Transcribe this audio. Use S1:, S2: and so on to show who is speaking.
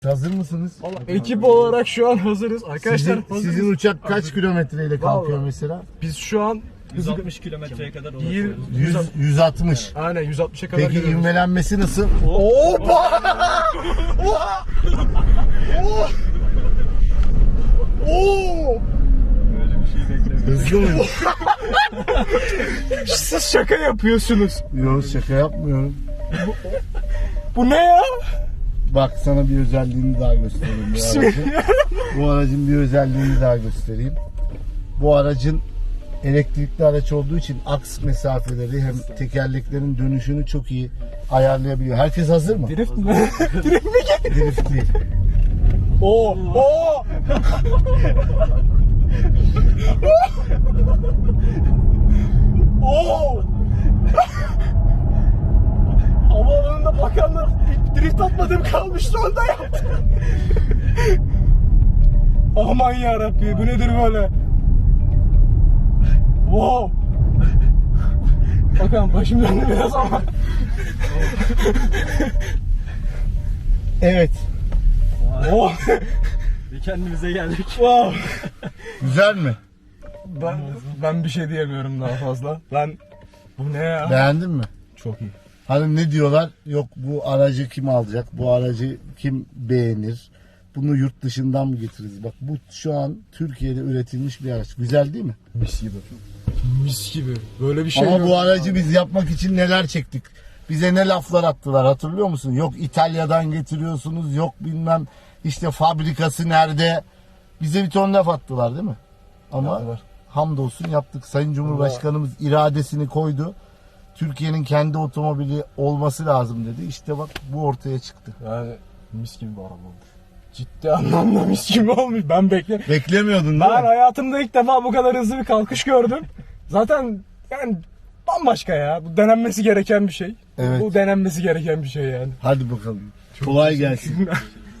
S1: Hazır mısınız?
S2: Ekip olarak şu an hazırız. Arkadaşlar
S1: Sizin uçak kaç kilometreyle kalkıyor
S2: Vallahi.
S1: mesela?
S2: biz şu an
S3: 160 kilometreye kadar ulaşıyoruz.
S1: 160.
S2: aynen 160'a kadar
S1: Peki
S2: geliyoruz.
S1: ivmelenmesi nasıl?
S2: Oha! Oha! Oo!
S3: Böyle bir şey beklemiyorum.
S1: Hızlı mı?
S2: Siz şaka yapıyorsunuz.
S1: Yok, şaka yapmıyorum.
S2: Bu ne ya?
S1: Bak sana bir özelliğini daha göstereyim bu aracın. Bu aracın bir özelliğini daha göstereyim. Bu aracın elektrikli araç olduğu için aks mesafeleri hem tekerleklerin dönüşünü çok iyi ayarlayabiliyor. Herkes hazır mı?
S2: Drift mi? Drift mi?
S1: Drift değil.
S2: Oo! Oo! Oo! Havaalanında bakanlar drift atmadığım kalmıştı onda yaptı. Aman yarabbi, bu nedir böyle? Wow! Bakalım başım döndü biraz ama.
S1: Evet.
S2: Oh!
S3: Bir kendimize geldik.
S2: Wow!
S1: Güzel mi?
S2: Ben bir şey diyemiyorum daha fazla. Bu ne ya?
S1: Beğendin mi?
S2: Çok iyi.
S1: Hani ne diyorlar? Yok bu aracı kim alacak? Bu aracı kim beğenir? Bunu yurt dışından mı getiririz? Bak bu şu an Türkiye'de üretilmiş bir araç. Güzel değil mi?
S2: Mis gibi. Mis gibi. Böyle bir şey
S1: Ama
S2: yok.
S1: bu aracı biz yapmak için neler çektik? Bize ne laflar attılar hatırlıyor musun? Yok İtalya'dan getiriyorsunuz, yok bilmem işte fabrikası nerede? Bize bir ton laf attılar değil mi? Ama
S2: Yaptılar.
S1: hamdolsun yaptık. Sayın Cumhurbaşkanımız iradesini koydu. Türkiye'nin kendi otomobili olması lazım dedi. İşte bak bu ortaya çıktı.
S2: Yani mis gibi bir araba olmuş. Ciddi anlamda mis gibi olmuş. Ben beklerim.
S1: Beklemiyordun değil
S2: Ben
S1: mi?
S2: hayatımda ilk defa bu kadar hızlı bir kalkış gördüm. Zaten yani bambaşka ya. Bu denenmesi gereken bir şey.
S1: Evet.
S2: Bu denenmesi gereken bir şey yani.
S1: Hadi bakalım. Kolay gelsin.